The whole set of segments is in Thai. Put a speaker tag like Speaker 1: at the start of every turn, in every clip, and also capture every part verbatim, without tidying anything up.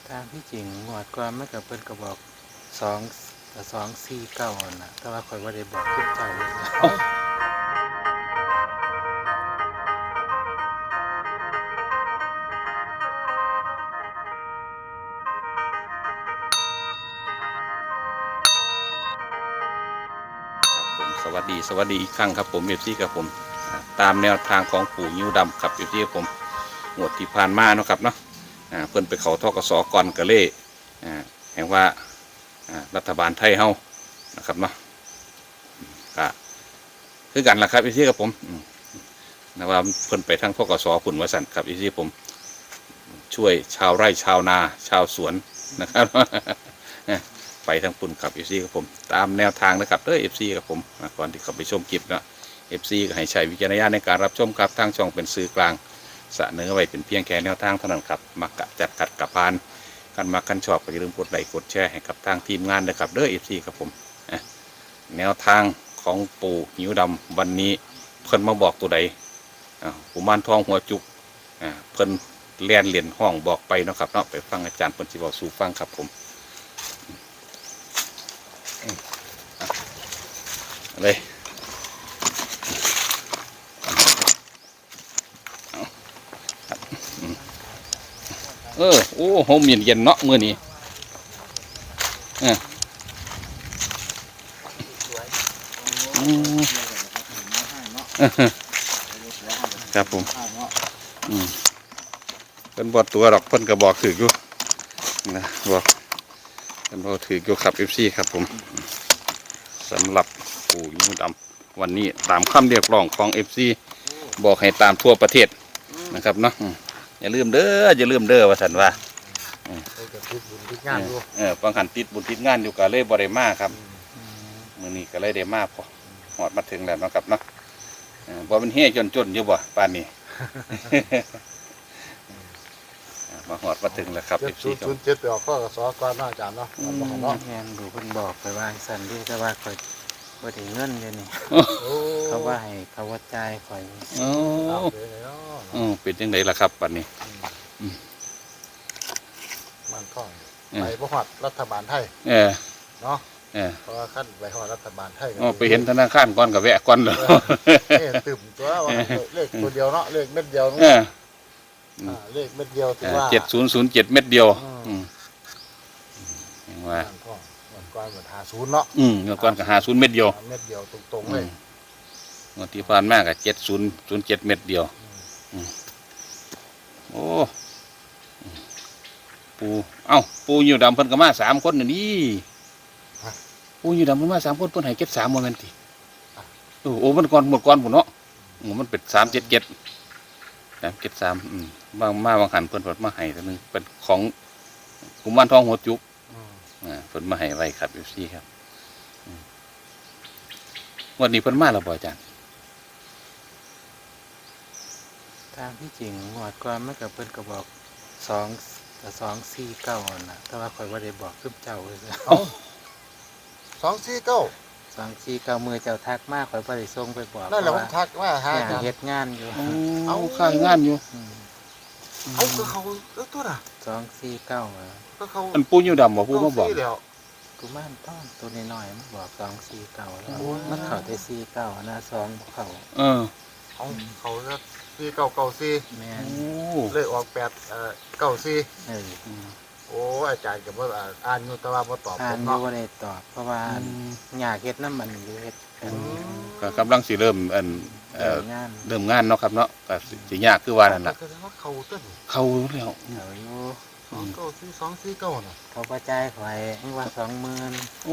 Speaker 1: ตามที่จริงงวดก่อนมันก็เพิ่นก็บอกสองสองสี่เก้าน่ะแต่ว่าข่อยบ่ได้บอกขึ้นเจ้าเลยนะ
Speaker 2: เอ้าผมสวัสดีสวัสดีอีกครั้งครับผมเอฟซีครับผมอ่าตามแนวทางของปู่ยิ้วดำครับเอฟซีผมงวดที่ผ่านมาเนาะครับเนาะอ่าเพิ่นไปเขาทกสก่อนกะเล่อ่าแห่งว่าอ่ารัฐบาลไทยเฮานะครับเนาะก็คือกันล่ะครับเอฟซีครับผมอืมนะว่าเพิ่นไปทางทกสผุนวสันครับเอฟซีผมช่วยชาวไร่ชาวนาชาวสวนนะครับ ไปทางปุ่นกับเอฟซีกับผมตามแนวทางนะครับเด้อเอฟซีกับผมก่อนที่เขาไปชมคลิปนะเอฟซีก็ให้ใช้วิจารณญาณในการรับชมครับทางช่องเป็นสื่อกลางเสนอไว้เป็นเพียงแค่แนวทางเท่านั้นครับมักกะจัดขัดกับพานกันมากันชอบก็อย่าลืมกดไลค์กดแชร์ให้กับทางทีมงานนะครับเด้อเอฟซีกับผมแนวทางของปู่หิวดำวันนี้เพิ่นมาบอกตัวใดกุมารทองหัวจุกเพิ่นเลียนเหรียญห้องบอกไปเนาะครับเนาะไปฟังอาจารย์เพิ่นสิบอกสู่ฟังครับผมเลยเออโอ้โหเย็นเย็นเนาะมือนี้เออครับผมอืมเพิ่นบอกตัวดอกเพิ่นก็บอกถืออยู่นะบอกเพิ่นบอกถืออยู่ครับเอฟซีครับผมสำหรับปู่ยิ้วดำวันนี้ตามคำเรียกร้องของเอฟซีบอกให้ตามทั่วประเทศนะครับเนาะอย่าลืมเด้ออย่าลืมเด้อว่าสันว่าเออฟังหันติดบุญติดงานอยู่กับเลยบริมาครับมือนี้ก็เลยได้มาพอหอดมาถึงแล้วนะครับเนาะบ่เป็นเฮ่จนจนอยู่บ่ป่านนี้มาหอดมาถึงแล้วครับ
Speaker 3: เจ็ดศูนย์ศูนย์เจ็ดไปออกข้อกสอก่อนอาจารย์เนาะบอกเนาะ
Speaker 1: แม่นดูเพิ่นบอกไปว่าสั่นดิแต่ว่าข่อยบ่ได้เงินเดี๋ยวนี้เขาว่าให้เขาว่าจ่ายข่อย
Speaker 2: โอ้
Speaker 3: เอาเลยเนาะ
Speaker 2: อือเป็นจังไดล่ะครับป่านนี้
Speaker 3: มันท่องไปพหอดรัฐบาลไทย
Speaker 2: เออ
Speaker 3: เนาะ
Speaker 2: เออ
Speaker 3: เพราะว่าขั้นไปหอดรัฐบาลไทย
Speaker 2: ไปเห็นธนาคารก่อนกับแวะก่อนเลย
Speaker 3: เนี่ยตื่มตัวว่าเลขตัวเดียวเนาะเลขเม็ดเดียวเลขเม็ดเดียวถือว่า
Speaker 2: เจ็ดศูนย์ศูนย์เจ็ดเม็ดเดียวอย่างว่า
Speaker 3: มันท่องมันก้อนเหมือนหาศูนย์เนาะ
Speaker 2: อืมเมื่อก่อนก็หาศูนย์เม็ดเดียว
Speaker 3: เม็ดเดียวตรงๆเลย
Speaker 2: เมื่อที่ผ่านมาก็เจ็ดศูนย์ศูนย์เจ็ดเม็ดเดียวโอ้ปูเอ้าปูอยู่ดำเพิ่นก็มาสามคนนี่ปูอยู่ดำเพิ่นมาสามคนเพิ่นให้เก็บสามโมเมนต์โอ้โอ้มันก่อนหมดก่อนผมเนาะโอ้มันเป็นสามเจ็ดเจ็ดสามเจ็ดสามอืมบางมาบางหันเพิ่นเพิ่นมาให้ตัวนึงเป็นของกุมารทองหัวจุกอ่าเพิ่นมาให้ไว้ครับเอฟซีครับวันนี้เพิ่นมาแล้วบ่อาจารย์
Speaker 1: ตามที่จริงงวดก่อนมันก็เพิ่นก็บอกสองสองสี่เก้าน่ะแต่ว่าข่อยบ่ได้บอกขึ้นเจ้าเลยนะ
Speaker 3: สองสี่เก้า
Speaker 1: สองสี่เก้ามือเจ้าทักมากข่อยบ่ได้ส่งไปบอก
Speaker 3: นั่นแหละผมทักว่าหา
Speaker 1: เนี่ยเฮ็ดงานอยู่
Speaker 2: เอาข้างงานอยู่
Speaker 3: เอาก็เขาเออตัวน่ะ
Speaker 1: สองสี่เก้า
Speaker 3: ก็เขา
Speaker 2: อันปูอยู่ดำบ่ปูมาบอก
Speaker 3: แล้ว
Speaker 1: กูม่านต้อนตัวน้อยๆมันบอกสองสี่เก้าแล้วมันเข้าแต่สี่เก้านะสองบ่เข้า
Speaker 2: เออ
Speaker 3: เอาเขาจะสี่เก้าเก้าสี่
Speaker 1: แม่น
Speaker 2: โอ้
Speaker 3: เลยออกแปดเอ่อเก้าสี่
Speaker 1: เออ
Speaker 3: โอ้อาจารย์กับว่าอ่านอยู่แต่ว่าบ่ตอบ
Speaker 1: อ่า
Speaker 3: ผ
Speaker 1: น
Speaker 3: ม
Speaker 1: อยู่
Speaker 3: เนาะ
Speaker 1: บ่ได้ตอบเพราะว่าอยากเฮ็ดน้ำมันอยู่เฮ็ดกัน
Speaker 2: ก็กำลังสิเริ่มอันเอ่อ
Speaker 1: งาน
Speaker 2: เริ่มงานเนาะครับเนาะก็สิยากคือว่านั่นล่ะ
Speaker 3: แสดงว่าเขาต้น
Speaker 2: เข้าแล้ว
Speaker 1: เอาอยู่
Speaker 3: สองเก้าสี่สองสี่เก้าน่ะ
Speaker 1: เขาบ่จ่ายข่อยให้ว่าสองหมื่น
Speaker 2: โอ้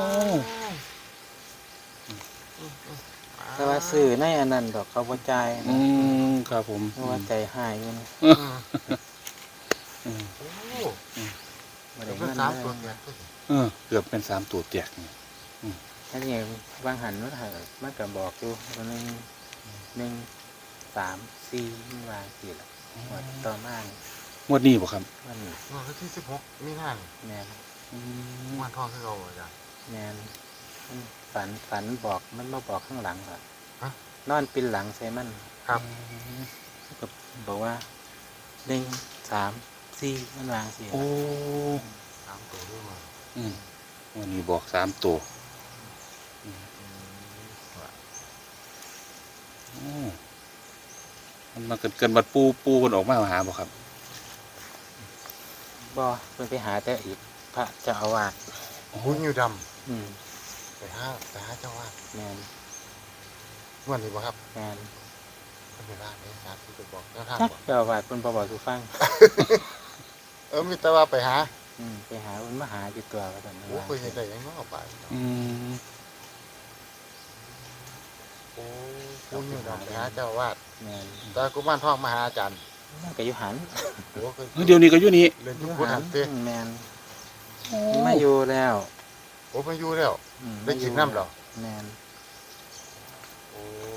Speaker 1: แต่ว่าซื้อในอันนั้นดอกเขาบ่จ่าย
Speaker 2: อื
Speaker 1: นะ
Speaker 2: มครับผม
Speaker 1: เพราะว่าใจหายอยู่นะ
Speaker 3: โอ้
Speaker 1: บ่ได้
Speaker 3: เป็
Speaker 1: เงิ
Speaker 3: น
Speaker 1: น
Speaker 3: สาม
Speaker 1: เล
Speaker 3: ตัวย เนี่ย
Speaker 2: เออเกือบเป็นสามตัวแตกนี่
Speaker 1: อันนี้บางหันมันหามันก็บอกอยู่ว่าหนึ่งหนึ่งสามสี่มันวางกี่ละว่าต่อมานี่
Speaker 2: งวดนี้บ่ครับ
Speaker 1: วันนี้
Speaker 3: วันที่สิบหกมีงาน
Speaker 1: แม่น
Speaker 3: วันทองที่เราอาจารย์
Speaker 1: แม่นมันฝันฝันบอกมันมาบอกข้างหลังเหรอ
Speaker 3: ฮะ
Speaker 1: นอนปินหลังใส่มัน
Speaker 3: ครับ
Speaker 1: ก็บอกว่าหนึ่งสามสี่มันวางสี่
Speaker 2: โอ้
Speaker 3: สามตัวด้วยมา
Speaker 2: อืมวันนี้บอกสามตัว
Speaker 3: อืมว่า
Speaker 2: โอ้มันมาเกินเกินบัดปูปูคนออกมาหาบ่ครับ
Speaker 1: บ่เพิ่นไปหาแต่อีกพระเจ้าอาวาส
Speaker 3: บุญอยู่ด
Speaker 1: อืม
Speaker 3: ำไปหาไปหาเจ้าว่า
Speaker 1: แม่น
Speaker 3: งวดนี้บ่ครับ
Speaker 1: แม่น
Speaker 3: เพิ่นเวลาในสามที่ไปบอกเจ้าทาง
Speaker 1: จัก
Speaker 3: บ่
Speaker 1: เจ้าอาวาสเพิ่นบ่บอกสู่ฟัง
Speaker 3: เออมีแต่ว่าไปหา
Speaker 1: อืมไปหาเพิ่นมาหาอยู่ตัวว่าซั่น
Speaker 3: โอ้
Speaker 1: ว่า
Speaker 3: เคยเห็นได้ยังเนาะไปเนาะ
Speaker 2: อืม
Speaker 3: โอ้บุญอยู่ดำไปหาเจ้าอาวาด
Speaker 1: แม่น
Speaker 3: แต่กุมารทองมาหาอาจารย์
Speaker 1: มันก็อยู่หัน
Speaker 3: โอ้เคย
Speaker 2: เฮ้ยเดี๋ยวนี้ก็อยู่นี่
Speaker 3: เรียน
Speaker 1: อ
Speaker 3: ยุค
Speaker 1: ยู่
Speaker 3: พุทธ
Speaker 1: หั
Speaker 3: หั
Speaker 1: น
Speaker 3: นเต้
Speaker 1: อืมแม่น
Speaker 2: โอ้
Speaker 1: มาอยู่แล้ว
Speaker 3: โอ้มาอยู่แล้ว
Speaker 1: อืม
Speaker 3: ได้กินน้ำเหรอ
Speaker 1: แม่น
Speaker 3: โอ้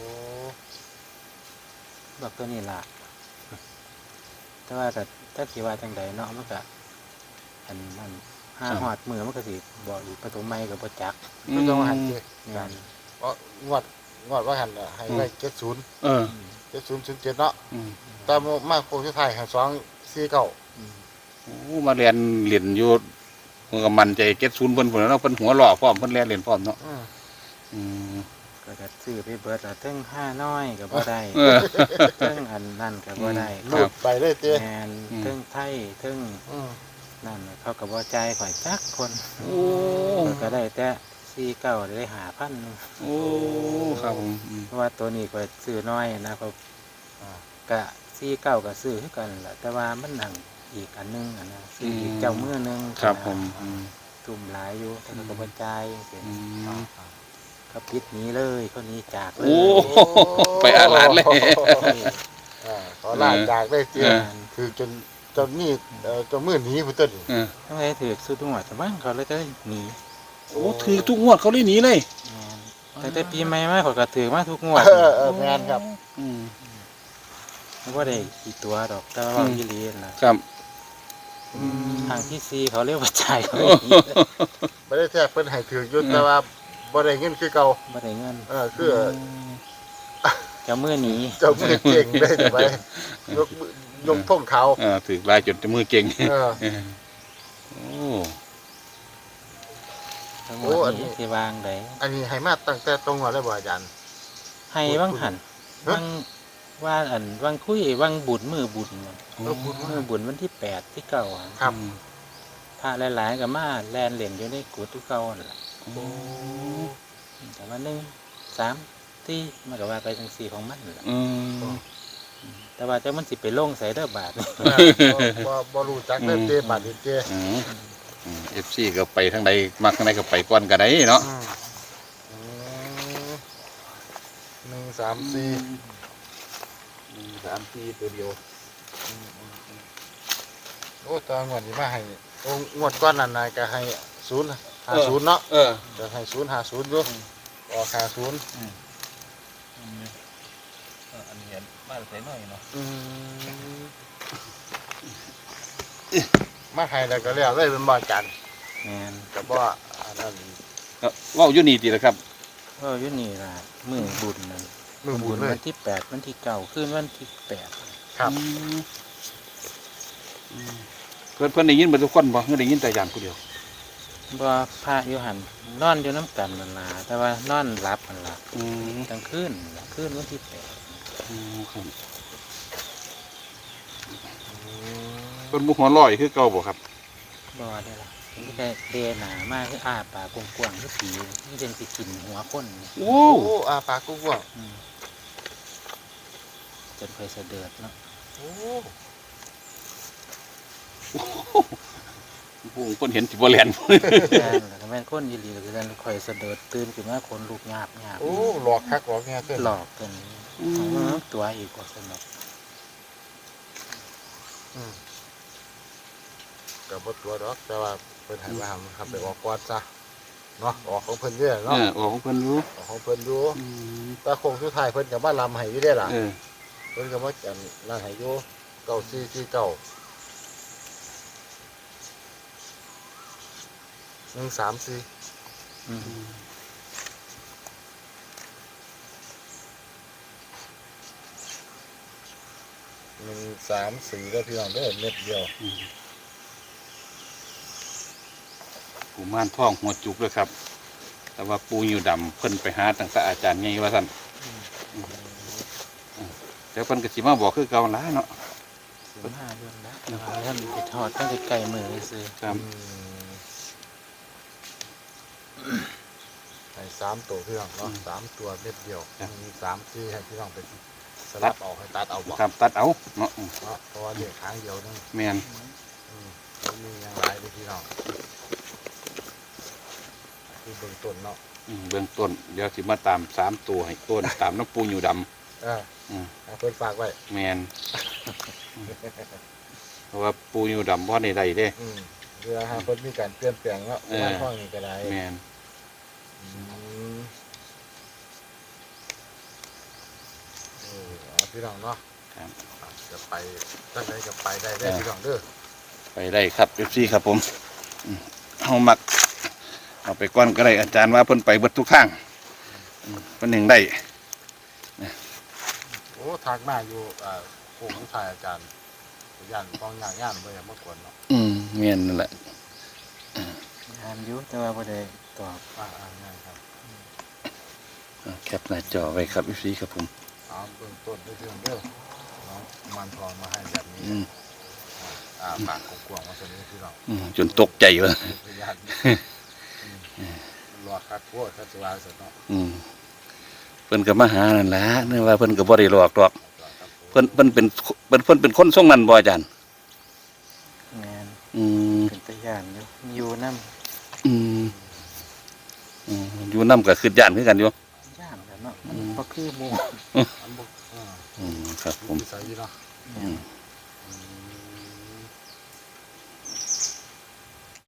Speaker 1: บอกตัวนี้ล่ะแต่ว่าก็ถ้าสิว่าจังใดเนาะมันก็อันนั้นห้าฮอดมือมันก็สิบอกอีกปฐมใหม่ก็บ่จัก
Speaker 2: อื
Speaker 3: ไม่
Speaker 2: ม
Speaker 3: ต้องมาหันเต้
Speaker 1: แม่น
Speaker 3: เพราะงวดงวดว่าหันน่ะให้ไว้เจ็ดศูนย์
Speaker 2: เออ
Speaker 1: อืม
Speaker 3: เจ็ดศูนย์ศูนย์เจ็ดเนาะ
Speaker 2: อืม
Speaker 3: แต่มากโคงที่ไทยให้สองสี่เก้า
Speaker 1: อืม
Speaker 2: โอ้มาเรียนเรียนอยู่มันก็มันใจเก็ตศูนย์เพิ่นพุ่นแล้วเนาะเพิ่นหัวหล่อพร้อมเพิ่นเรียนเรียนพร้อมเนาะ
Speaker 3: อืม
Speaker 2: อืม
Speaker 1: ก็จะซื้อไปเบิดละเทั้งห้าน้อยก็บ่ได้
Speaker 2: เออ
Speaker 1: เทั้งอันนั่นก็บ่ได้
Speaker 2: ครั
Speaker 3: ลู
Speaker 2: บ
Speaker 3: ดไปเลยเต้
Speaker 1: แมน
Speaker 2: อืม
Speaker 1: เทั้งไทยเทั้ง
Speaker 3: อืม
Speaker 1: นั่นเขาก็บ่จ่ายข่อยจักคน
Speaker 2: โอ้
Speaker 1: ข้อยก็ได้แต่สี่เก้าได้หาพัน
Speaker 2: โอ้ครับผมอืม
Speaker 1: เพราะว่าตัวนี้ข่อยซื้อน้อยนะเขา
Speaker 3: อ่า
Speaker 1: ก็สี่เก้าก็ซื้อคือกันแหละแต่ว่ามันหนังอีกอันหนึงอันนะซื้ออีกเจ้ามือหนึง
Speaker 2: ครับผมอืม
Speaker 1: ทุ่มหลายอยู่แต่เขาก็บ่จ่ายจัง
Speaker 2: อื
Speaker 1: ซี้
Speaker 2: ม
Speaker 1: เขาปิดหนี้เลยเขาหนี้จากเล
Speaker 2: โอ้
Speaker 1: ย
Speaker 2: ไปอาหลานเลย
Speaker 3: อ่าขอลาจากได้เตี้ย
Speaker 2: เออ
Speaker 3: คือจนจนนี่เอ่อจนมือหนีพุ่นต้น
Speaker 2: เออ
Speaker 1: ทำไมถือสุดหัวแต่บ้านเขาเลยก็หนี
Speaker 2: โอ้ถือทุกงวดเขาเลยหนีเลย
Speaker 1: แม่นแต่แต่ปีใหม่มาเขาก็ถือมาทุกงวด
Speaker 3: เออเออแมนครับ
Speaker 2: อืม
Speaker 1: ไม่ว่าได้กี่ตัวดอกแต่ว่า
Speaker 2: อืม
Speaker 1: ยี่ลีนนะครับ ทางที่ซีเขาเรียกว่าจ่ายเขาไม่มี
Speaker 3: ไม่ได้แทบเพิ่นให้ถืออยุดแต่ว่าบ่ได้เงินคือเก่า
Speaker 1: ไม่ได้เงิน
Speaker 3: เออคือ
Speaker 1: เจะมือหนี
Speaker 3: เจ้ามือเก่งได้แต่ไปยกมือยกท่งเขา
Speaker 2: เออถือลายจนจะมือเก่ง
Speaker 3: เออ
Speaker 2: เออโอ้
Speaker 1: ทั้งหม
Speaker 3: โอ้
Speaker 1: ด
Speaker 3: อันนี้
Speaker 1: นี้ที่วางได
Speaker 3: อันนี้ให้มาตั้งแต่ตรงหัวเลยบ่อาจารย์
Speaker 1: ให้ว่างหัน
Speaker 3: ฮะ
Speaker 1: ว่างว่าอันว่างคุยว่างบุญมือบุญน่ะ
Speaker 3: เออบุญ
Speaker 1: มือบุญวันที่แปดที่เก่าอะ
Speaker 3: ครับ
Speaker 1: พระหลายๆกับมาแลนเหรียญอยู่ในกุฏิเก่านั่นล่ะ
Speaker 2: โอ้
Speaker 1: แต่ว่าหนึ่งสามที่มันก็ว่าไปทั้งสี่ของมันนั่นล่ะ
Speaker 2: อืม
Speaker 1: แต่ว่าเจ้ามันสิไปลงใส่เด้อบาท
Speaker 3: เออบ่บ่บ่รู้จักเด้อเต้บาดนี้เต้
Speaker 2: เอฟซีก็ไปทางใดมักทางใดก็ไปก่อนก็ได้เนาะ
Speaker 3: อืมอืมหนึ่งสามสี่
Speaker 2: หนึ่งสามสี่ตัวเดียว
Speaker 3: โอ้ตอนงวดนี้มาให้โอ้งวดก้อนนั้นน่ะก็ให้ศูนย์หาศูนย์เนาะ
Speaker 2: เออ
Speaker 3: จะให้ศูนย์หาศูนย์อยู่ออกหาศูนย์
Speaker 2: อันนี้บ้านใส่หน่อยเนาะ
Speaker 3: อืมมาให้แล้วก็แล้วเลยเป็นบ่จัน
Speaker 1: แม่น
Speaker 3: ก็บ่อันนั้น
Speaker 2: ว่าอยู่นี่ดีแหละครับ
Speaker 1: ก็อยู่นี่ล่ะมือบุญนั่น
Speaker 3: มือบุญเลย
Speaker 1: วันที่แปดวันที่เก้าขึ้นวันที่แปด
Speaker 3: ครับ
Speaker 2: อืมอืมเพื่อนเพื่อนได้ยินเบิดทุกคนบ่เพื่อนได้ยินแต่ยามผู้เดียว
Speaker 1: บ่พระอยู่หันนอนอยู่น้ำกันนั่นล่ะแต่ว่านอนหลับมันล่ะ
Speaker 2: อืม
Speaker 1: กลางคืนล่ะคืนวันที่แปด
Speaker 2: อืมครับ
Speaker 3: อืม
Speaker 2: เพิ่นบุกหัวลอยคือเก่าบ่ครับ
Speaker 1: บ่ได้ล่ะมันก็เดหนามากคืออ้าปากกว้างๆคือผีนี่เป็นสิกินหัวคน
Speaker 2: โอ้
Speaker 3: โอ้อาปากกุ้งว่าง
Speaker 1: อืมจนเคยเสด็จเนาะ
Speaker 3: โอ้
Speaker 2: โหเพิ่นเห็นสิบ่แล่น
Speaker 1: แม่นล่ะถ้าแม่นคนยีหลีก็คือกันคอยเสด็จตื่นขึ้นมาคนลูกหยาบหยาบ
Speaker 3: โอ้หลอกคักหลอกแง่เต้น
Speaker 1: หลอกกันของมันตัวอีกกว่าสนุก
Speaker 3: อืมก็บ่ตัวดอกแต่ว่าเพิ่นให้มาทำครับไปออกก่อนซะเนาะออกของเพิ่นเด้อ
Speaker 2: เอ
Speaker 3: เนาะ
Speaker 2: อออกของเพิ่นอยู่
Speaker 3: ออกของเพิ่นอยู่
Speaker 2: อืม
Speaker 3: แตาคงสุดท้ายเพิ่นก็มาลำให้อยู่เด้อล่ะ
Speaker 2: เออ
Speaker 3: เพิ่นก็มาจันนั่นให้อยู่เก้าสี่สี่เก้าหนึ่งสามสี่
Speaker 1: อืม
Speaker 3: หนึ่งสามสี่แล้วพี่น้องเด้อเม็ดเดียว
Speaker 2: อืมกุมารทองหัวจุกด้วยครับ แต่ว่าปูอยู่ดำเพิ่นไปหาตั้งแต่อาจารย์ไงว่าท่านแต่เพิ่นก็สิมาบอกคือเก่าหลายเนาะ
Speaker 1: สิบห้าเรื่องนะแต่ว่าท่านไปทอดตั้งแต่ไก่มือซื้อ
Speaker 2: ครับ
Speaker 3: อืมไอ้สามตัวพี่น้องเนาะสามตัวเม็ดเดียวมีสามที่ให้พี่น้องไปสลับออกให้ตัดเอาบอก
Speaker 2: ครับตัดเอาเนาะอืม
Speaker 3: เนาะเพราะว่าเด็กค้างเดียวนึง
Speaker 2: แม่น
Speaker 3: อืมแล้วมีอย่างไรเลยพี่น้องคือเบื้องต้นเนาะ
Speaker 2: อืมเบื้องต้นเดี๋ยวสิมาตามสามตัวให้ต้นตามน้ำปูอยู่ด
Speaker 3: เออ
Speaker 2: ำอืม
Speaker 3: ให้เพิ่นฝากไว้
Speaker 2: แม่นเพราะว่าปูอยู่ดำเพราะในใดเด้
Speaker 3: อืมเวลาหาเพิ่นมีการเปลี่ยนแปลงเนาะ
Speaker 2: เออ
Speaker 3: บ้านห้องนี่ก็ได้
Speaker 2: แม่น
Speaker 3: อืมเออเอาพี่น้องเนาะ
Speaker 2: ครับ
Speaker 3: อ่ะจะไปตั้งใจจะไปได้ได้พี่น้องเด้อ
Speaker 2: ไปได้ครับเอฟซีครับผมอืมเอามักเอาไปก้อนก็ได้อาจารย์ว่าเพิ่นไปเบิดทุกทางอืมเพิ่นหนึ่งได้
Speaker 3: โอ้ทางมาอยู่อ่าโค้งผู้ชายอาจารย์ย่านต้องย่างย่านเมื่อเมื่อก่อนเนาะ
Speaker 2: อืมแม่นนั่นแหละ
Speaker 1: งานอยุ่แต่ว่าบ่ได้ตอบ
Speaker 3: อ่าอ่าง่ายครับ
Speaker 2: อ่าแคปหน้าจอไว้ครับเอฟซีครับผม
Speaker 3: เอาเบื้องต้นด้วยพี่น้องเด้อน้องมันทองมาให้แบบนี้
Speaker 2: อืม
Speaker 3: อ่าปากกว้างๆมาสนี้พี่น้อง
Speaker 2: อืมจนตกใจเลย
Speaker 3: พยานอืมรอคัดพวกคัดสวายเสร็จเนาะ
Speaker 2: อืมเพิ่นก็มาหานั่นแหละเนื่องว่าเพิ่นก็บ่ได้หลอกดอก
Speaker 3: ครับผม
Speaker 2: เพิ่นเพิ่นเป็นเพิ่นเพิ่นเป็นคนทรงนั้นบ่อาจารย์
Speaker 1: งาน
Speaker 2: อืม
Speaker 1: เป็นตะย่านอยู่อยู่น้
Speaker 2: อืมอืมอยู่นํก็คือย่านคือกันอยู่
Speaker 1: ำย่านกันเนาะมันบ่คือหมู่
Speaker 3: อันบุกอ่า
Speaker 2: อืมครับผม
Speaker 3: วิสัยเนาะ
Speaker 2: อืม
Speaker 3: อืม